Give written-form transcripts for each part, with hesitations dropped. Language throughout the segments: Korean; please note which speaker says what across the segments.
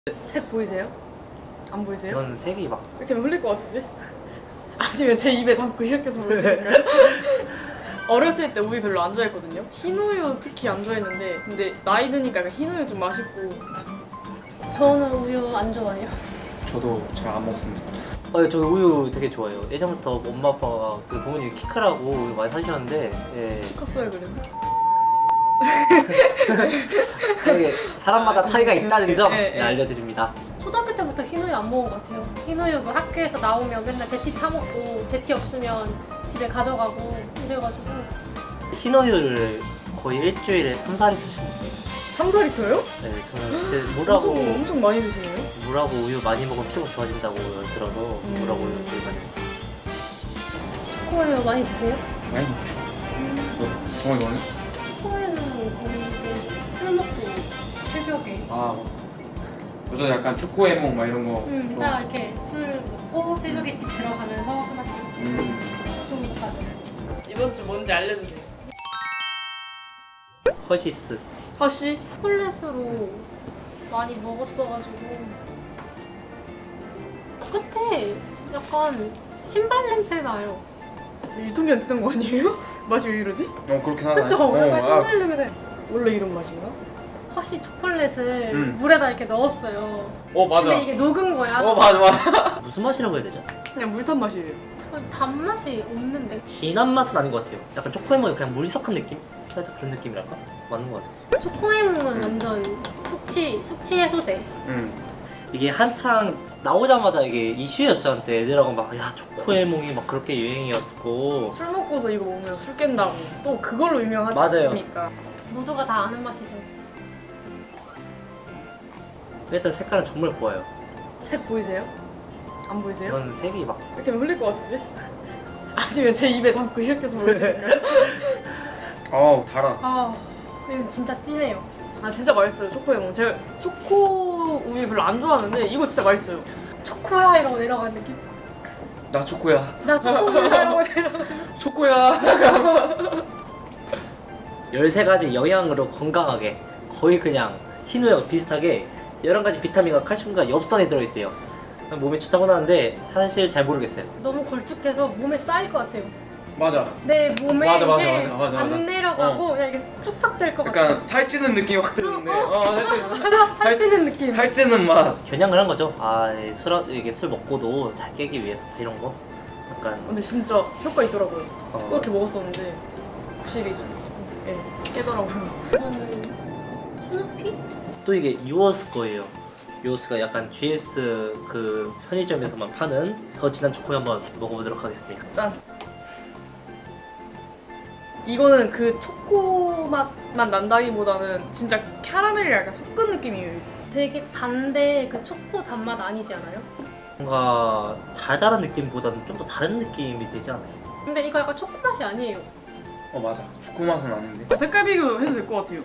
Speaker 1: 색 보이세요? 안 보이세요?
Speaker 2: 이건 색이 막
Speaker 1: 이렇게 하면 흘릴 것 같은데? 아니면 제 입에 담고 이렇게 해서 보여드릴까요? 어렸을 때 우유 별로 안 좋아했거든요? 흰우유 특히 안 좋아했는데 근데 나이 드니까 약간 흰우유 좀 맛있고.
Speaker 3: 저는 우유 안 좋아해요.
Speaker 4: 저도 잘 안 먹습니다.
Speaker 2: 저 우유 되게 좋아해요. 예전부터 엄마 아빠가 그 부모님이 키 크라고 우유 많이 사주셨는데
Speaker 1: 컸어요 그래서?
Speaker 2: 이게 사람마다 차이가 있다는 점
Speaker 1: 네.
Speaker 2: 알려드립니다.
Speaker 3: 초등학교 때부터 흰우유 안 먹은 것 같아요. 흰우유 그 학교에서 나오면 맨날 제티 타먹고 제티 없으면 집에 가져가고 이래가지고.
Speaker 2: 흰우유를 거의 일주일에 3~4리터씩 먹어요.
Speaker 1: 3~4리터요?
Speaker 2: 네, 저는 근데 물하고
Speaker 1: 엄청 많이 드시네요?
Speaker 2: 물하고 우유 많이 먹으면 피부 좋아진다고 들어서 물하고 우유 되게 많이 먹어요.
Speaker 3: 초코우유 많이 드세요?
Speaker 4: 많이 먹죠. 정말 많이?
Speaker 3: 초코우유는 거의 이제 술 먹고 새벽에
Speaker 4: 저도 약간 초코 해몽 막 이런 거.
Speaker 3: 딱 이렇게 술 먹고 새벽에 집 들어가면서 하나씩 좀 가져.
Speaker 1: 이번 주 뭔지 알려주세요.
Speaker 2: 허시스.
Speaker 1: 허쉬?
Speaker 3: 초콜릿으로 많이 먹었어가지고 끝에 약간 신발 냄새 나요.
Speaker 1: 유통기한 지난 거 아니에요? 맛이 왜 이러지?
Speaker 4: 그렇긴 하나요?
Speaker 3: 그쵸? 약간 신발 냄새.
Speaker 1: 원래 이런 맛인가?
Speaker 3: 허쉬 초콜릿을 물에다 이렇게 넣었어요.
Speaker 4: 맞아.
Speaker 3: 근데 이게 녹은 거야.
Speaker 4: 맞아.
Speaker 2: 무슨 맛이라고 해야 되죠?
Speaker 1: 그냥 물탄 맛이에요.
Speaker 3: 단맛이 없는데.
Speaker 2: 진한 맛은 아닌 것 같아요. 약간 초코에몽이 그냥 물석한 느낌? 살짝 그런 느낌이랄까? 맞는 것 같아요.
Speaker 3: 초코해몽은 완전 숙취 해소제.
Speaker 2: 이게 한창 나오자마자 이게 이슈였죠 한때. 애들하고 막 야 초코에몽이 막 그렇게 유행이었고.
Speaker 1: 술 먹고서 이거 먹으면 술 깬다고 또 그걸로 유명하지
Speaker 2: 맞아요.
Speaker 1: 않습니까?
Speaker 3: 모두가 다 아는 맛이죠.
Speaker 2: 일단 색깔은 정말 고와요.
Speaker 1: 색 보이세요? 안 보이세요?
Speaker 2: 이건 색이 막
Speaker 1: 이렇게 하면 흘릴 것 같은데? 아니면 제 입에 담고 이렇게 해서 보여드릴까요?
Speaker 4: 달아.
Speaker 3: 아, 이거 진짜 진해요.
Speaker 1: 아 진짜 맛있어요 초코에몽. 제가 초코 우유 별로 안 좋아하는데 이거 진짜 맛있어요.
Speaker 3: 초코야 이러고 내려가는 느낌?
Speaker 4: 나 초코야.
Speaker 3: 나 초코야 이러고 내려가는
Speaker 4: 초코야.
Speaker 2: 13가지 영양으로 건강하게 거의 그냥 흰우유와 비슷하게 11가지 비타민과 칼슘과 엽산이 들어있대요. 몸에 좋다고 하는데 사실 잘 모르겠어요.
Speaker 3: 너무 걸쭉해서 몸에 쌓일 것 같아요.
Speaker 4: 맞아.
Speaker 3: 내 몸에
Speaker 4: 맞아, 맞아,
Speaker 3: 이게
Speaker 4: 맞아, 맞아.
Speaker 3: 안 내려가고 그냥 이게 축착될 것 같아.
Speaker 4: 약간 살찌는 느낌이 확 드는데.
Speaker 3: 살찌는 느낌.
Speaker 4: 살찌는 맛.
Speaker 2: 겨냥을 한 거죠. 이게 술 먹고도 잘 깨기 위해서 이런 거. 약간
Speaker 1: 근데 진짜 효과 있더라고요.
Speaker 2: 어.
Speaker 1: 이렇게 먹었었는데 확실히 깨더라고요.
Speaker 3: 이거는 스누피?
Speaker 2: 또 이게 유어스 거예요. 유어스가 약간 GS 그 편의점에서만 파는 더 진한 초코 한번 먹어보도록 하겠습니다.
Speaker 1: 짠. 이거는 그 초코 맛만 난다기보다는 진짜 캐러멜이랑 약간 섞은 느낌이에요.
Speaker 3: 되게 단데 그 초코 단맛 아니지 않아요?
Speaker 2: 뭔가 달달한 느낌보다는 좀 더 다른 느낌이 되지 않아요?
Speaker 3: 근데 이거 약간 초코 맛이 아니에요.
Speaker 4: 맞아. 초코 맛은 아닌데.
Speaker 1: 색깔 비교해도 될 것 같아요.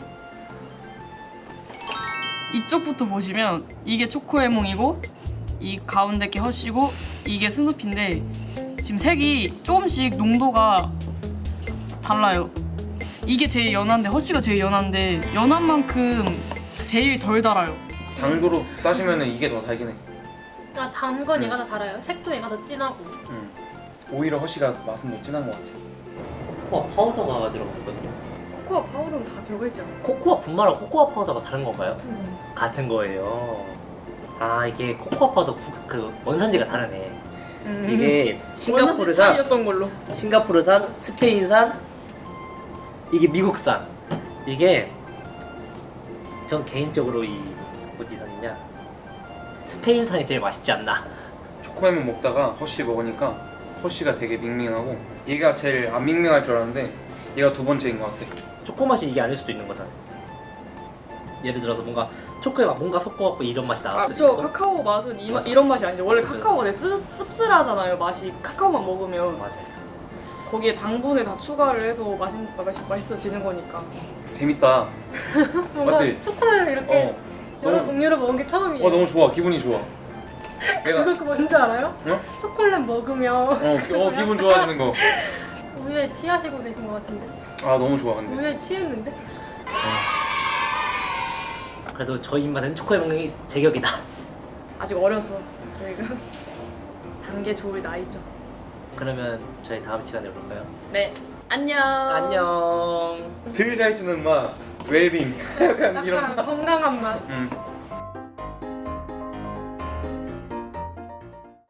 Speaker 1: 이쪽부터 보시면 이게 초코에몽이고 이 가운데 게 허쉬고 이게 스누피인데 지금 색이 조금씩 농도가 달라요. 이게 제일 연한데 허쉬가 제일 연한데 연한 만큼 제일 덜 달아요.
Speaker 4: 당도로 따지면은 이게 더 달긴 해.
Speaker 3: 아, 단 건 얘가 더 달아요. 색도 얘가 더 진하고.
Speaker 4: 오히려 허쉬가 맛은 더 진한 것 같아.
Speaker 2: 코코아 파우더가 들어갔거든요.
Speaker 1: 코코아 파우더는 다 들어가 있잖아.
Speaker 2: 코코아 분말하고 코코아 파우더가 다른 건가요? 같은 거예요. 이게 코코아 파우더 그 원산지가 다르네. 이게 싱가포르산,
Speaker 1: 차이였던 걸로.
Speaker 2: 싱가포르산, 스페인산, 이게 미국산. 이게 전 개인적으로 이 어디산이냐 스페인산이 제일 맛있지 않나.
Speaker 4: 초코해몽 먹다가 허쉬 먹으니까 허쉬가 되게 밍밍하고 얘가 제일 안 밍밍할 줄 알았는데 얘가 두 번째인 것 같아.
Speaker 2: 초코 맛이 이게 아닐 수도 있는 거잖아요. 예를 들어서 뭔가 초코에 막 뭔가 섞어갖고 이런 맛이 나왔을
Speaker 1: 저
Speaker 2: 때.
Speaker 1: 카카오 맛은
Speaker 2: 맞아.
Speaker 1: 이런 맛이 아니죠. 원래
Speaker 2: 맞아.
Speaker 1: 카카오가 되게 씁쓸하잖아요. 맛이 카카오만 먹으면
Speaker 2: 맞아요.
Speaker 1: 거기에 당분을 다 추가를 해서 맛있어지는 거니까.
Speaker 4: 재밌다.
Speaker 3: 뭔가
Speaker 4: 맞지?
Speaker 3: 초코를 이렇게 여러
Speaker 4: 너무-
Speaker 3: 종류를 먹은 게 처음이에요.
Speaker 4: 너무 좋아. 기분이 좋아. 내가
Speaker 3: 그거 뭔지 알아요?
Speaker 4: 어?
Speaker 3: 초콜릿 먹으면
Speaker 4: 기분 좋아지는 거.
Speaker 3: 우유에 취하시고 계신 것 같은데.
Speaker 4: 너무 좋아 근데.
Speaker 3: 우유에 취했는데?
Speaker 2: 그래도 저희 입맛엔 초코의 먹는 제격이다.
Speaker 1: 아직 어려서 저희가 단계 좋을 나이죠.
Speaker 2: 그러면 저희 다음 시간에 볼까요?
Speaker 1: 네. 안녕.
Speaker 2: 안녕.
Speaker 4: 덜 잘 주는 맛 웰빙 약간 이런
Speaker 3: 약간 건강한 맛.
Speaker 4: 맛.